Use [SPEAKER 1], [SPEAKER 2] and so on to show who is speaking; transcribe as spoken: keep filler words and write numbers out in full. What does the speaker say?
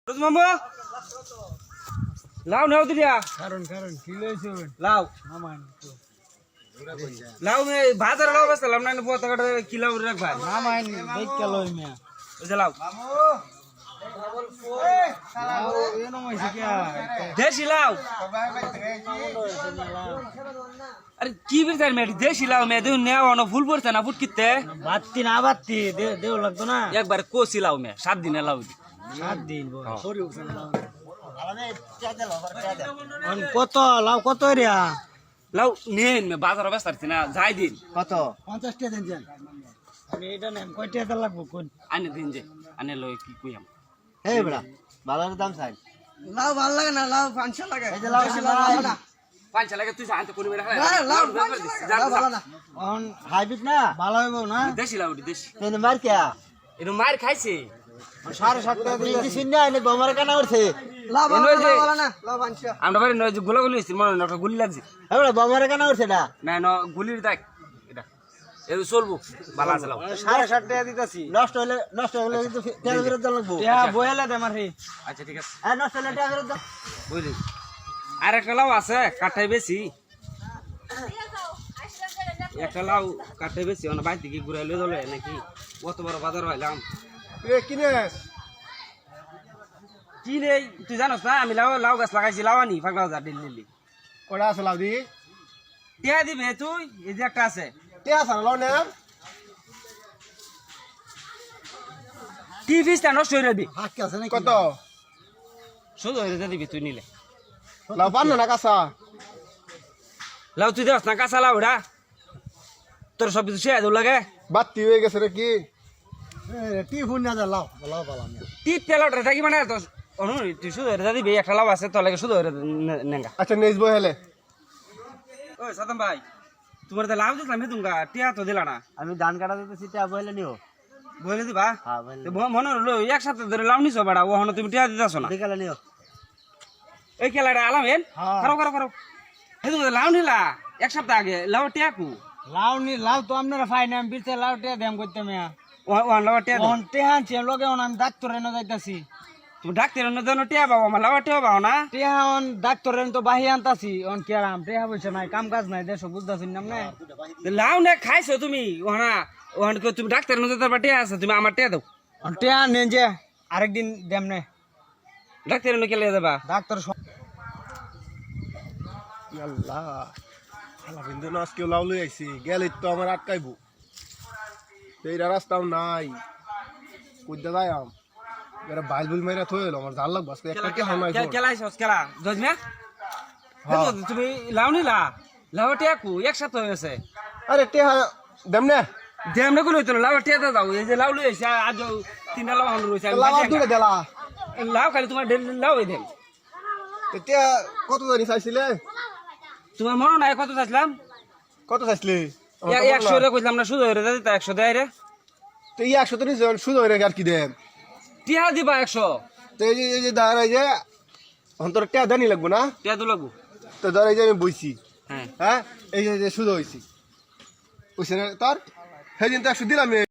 [SPEAKER 1] মামু লাউ নেও দিয়া
[SPEAKER 2] কারণ কারণ কি লইছো
[SPEAKER 1] লাউ
[SPEAKER 2] মামান
[SPEAKER 1] লাউ মে বাজার লাউ বসলাম না বহুত টাকা কিলো রাখবা
[SPEAKER 2] মামান দেখ কে লই মিয়া
[SPEAKER 1] ওই যে লাউ
[SPEAKER 2] মামু লাউ এনো মইছে কি
[SPEAKER 1] দেশি লাউ আরে কি বিরতার মে দেশি লাউ মে দেউ নেও না ফুল পড়ছে না ফুট কিতে
[SPEAKER 2] বাত্তি না বাত্তি দেও লাগতো না
[SPEAKER 1] একবার কোসি লাউ মে সাত দিনে লাউ
[SPEAKER 2] সাত দিন সরি উঠছে না অন কত লাউ কত রিয়া
[SPEAKER 1] লাউ নেন মে বাজার বসতারছি না যাই দিন
[SPEAKER 2] কত পঞ্চাশ টাকা দেন যান আমি এটা নেম কয় টাকা লাগবো কোন
[SPEAKER 1] আনে দিন যে আনে লই কি কইয়াম
[SPEAKER 2] এই বড়া বালার দাম চাই
[SPEAKER 3] লাউ ভাল লাগে না লাউ পাঁচশো লাগে
[SPEAKER 2] এই যে লাউ ভালো না
[SPEAKER 1] পাঁচশো লাগে তুই জানতে করি বেরা
[SPEAKER 3] লাউ ভালো না
[SPEAKER 2] অন হাইব্রিড না ভালো হইব না
[SPEAKER 1] দেশি লাউ দেশি
[SPEAKER 2] তেন মার কে
[SPEAKER 1] এনো মার খাইছে
[SPEAKER 2] সাড়ে সাত টাকা দিয়ে দিছি না এনে বমার কানা উঠছে
[SPEAKER 3] লাউ ভালো না লাউ পাঁচশো
[SPEAKER 1] আমরা বাড়ি নয় যে গোলাগুলি হইছে মনে না গুলি লাগছে
[SPEAKER 2] এবারে বমার কানা উঠছে না
[SPEAKER 1] না ন গুলির দেখ এটা এ চলবো বালা আছে লাউ
[SPEAKER 2] সাড়ে সাত টাকা দিতেছি নষ্ট হলে নষ্ট হলে কিন্তু তেল ফেরত দেওয়া লাগবো টাকা বইলে দে মারি
[SPEAKER 1] আচ্ছা ঠিক আছে
[SPEAKER 2] হ্যাঁ নষ্ট হলে টাকা ফেরত দাও
[SPEAKER 1] বুঝলি আর একটা লাউ আছে কাঠাই বেশি একটা লাউ কাঠাই বেশি অন্য বাইর থেকে ঘুরাই লিয়ে দলে নাকি কত বড় বাজার হইলাম
[SPEAKER 2] কিনেস
[SPEAKER 1] কি রে তুই জানোস না আমি লাউ লাউ গাছ লাগাইছি লাউ আনি পাগলা হাজার দিল্লি
[SPEAKER 2] কটা আছে লাউ দি
[SPEAKER 1] টিয়া দিবে তুই এই যে একটা আছে
[SPEAKER 2] তে আছে লাউ নে
[SPEAKER 1] কি ফিসটা নষ্ট হয়ে যাবি
[SPEAKER 2] হাত কে আছে নাকি কত
[SPEAKER 1] শুধু হয়ে দিবি তুই নিলে
[SPEAKER 2] লাউ পান না কাঁচা
[SPEAKER 1] লাউ তুই দেখ না কাঁচা লাউ ওটা তোর সব কিছু শেয়ার লাগে
[SPEAKER 2] বাত্তি হয়ে গেছে রে কি টি ফোন না লাউ লাউ পালাম
[SPEAKER 1] টিপ তেলটা থাকি মানে তো অনু তুই শুধু হয়ে দিবি একটা লাউ আছে তোর লাগে শুধু হয়ে নেঙ্গা
[SPEAKER 2] আচ্ছা নেইস বহেলে
[SPEAKER 1] ওই সাদম ভাই তোমার তো লাভ দিলাম তুমগা টিয়া তো দিলা না
[SPEAKER 2] আমি ধান কাটা দিতেছি টা বহেলে নিও
[SPEAKER 1] বলে দিবা
[SPEAKER 2] হ্যাঁ বহেলে
[SPEAKER 1] তো মনে হলো একসাথে ধরে লাভ নিছো বাড়া ও হন তুমি টিয়া দিতাছ না
[SPEAKER 2] বিকালে নিও
[SPEAKER 1] এই খেলাটা আলাম হেন
[SPEAKER 2] হ্যাঁ।
[SPEAKER 1] করো করো করো হে তুমি লাভ নিলা এক সপ্তাহ আগে লাউ টিয়া কু
[SPEAKER 2] লাউ নি লাউ তো আপনারা ফাই না আমি বিরতে লাউ টিয়া দেম করতে মিয়া
[SPEAKER 1] ওয়ান লাউ টিয়া
[SPEAKER 2] অন টেহান ছে লগে অন আমি ডাক্তার এনে যাইতাছি
[SPEAKER 1] তুমি ডাক্তার অন্য জন টিয়া পাবো আমার লাউ টিয়া পাও না
[SPEAKER 2] টেহা অন ডাক্তার এনে তো বাহি আনতাছি অন কেরাম টেহা বইছে নাই কাম কাজ নাই দেশ বুঝতাছি না না
[SPEAKER 1] লাউ না খাইছো তুমি ওহানা ওহান তুমি ডাক্তার অন্য জন টিয়া আছে তুমি আমার টিয়া দাও
[SPEAKER 2] অন টেহা নেন যে আরেকদিন দেম নে
[SPEAKER 1] ডাক্তার অন্য কেলে দেবা
[SPEAKER 2] ডাক্তার
[SPEAKER 4] আল্লাহ আল্লাহ বিন্দু না আজকেও লাউ লই আইছি গেলে তো আমার আটকাইবো এইটা রাস্তাও নাই কইতে যাই আম এরা বাইল বুল মেরা থইল আমার জাল লাগবো আজকে একটা কে হামাই
[SPEAKER 1] কেলা আইছস কেলা জজমে তুমি লাউ নিলা লাউ টিয়া কু একসাথে হয়েছে
[SPEAKER 4] আরে তে দেম না
[SPEAKER 1] দেম না গুলো তো লাউ টিয়া দাও এই যে লাউ লই আইছে আজ তিনটা লাউ হন রইছে
[SPEAKER 4] লাউ দুলে দেলা
[SPEAKER 1] লাউ খালি তোমার লাউ এই দেম
[SPEAKER 4] তে কত জানি চাইছিলে
[SPEAKER 1] তোমার মনে নাই কত চাইছিলাম
[SPEAKER 4] কত চাইছিলে
[SPEAKER 1] একশো রে কইলাম না শুধু হয়ে দিতা একশো দেয় রে
[SPEAKER 4] তো ই একশো তো নিজ শুধু হয়ে আর কি দেম
[SPEAKER 1] টিয়া দিবা একশো
[SPEAKER 4] তো এই যে এই যে দাঁড়াই যে অন্তর টিয়া দানি লাগবো না
[SPEAKER 1] টিয়া দু লাগবো
[SPEAKER 4] তো ধর এই যে আমি বইছি
[SPEAKER 1] হ্যাঁ
[SPEAKER 4] হ্যাঁ এই যে শুধু হয়েছি বুঝছে না তোর সেই দিন তো একশো দিলাম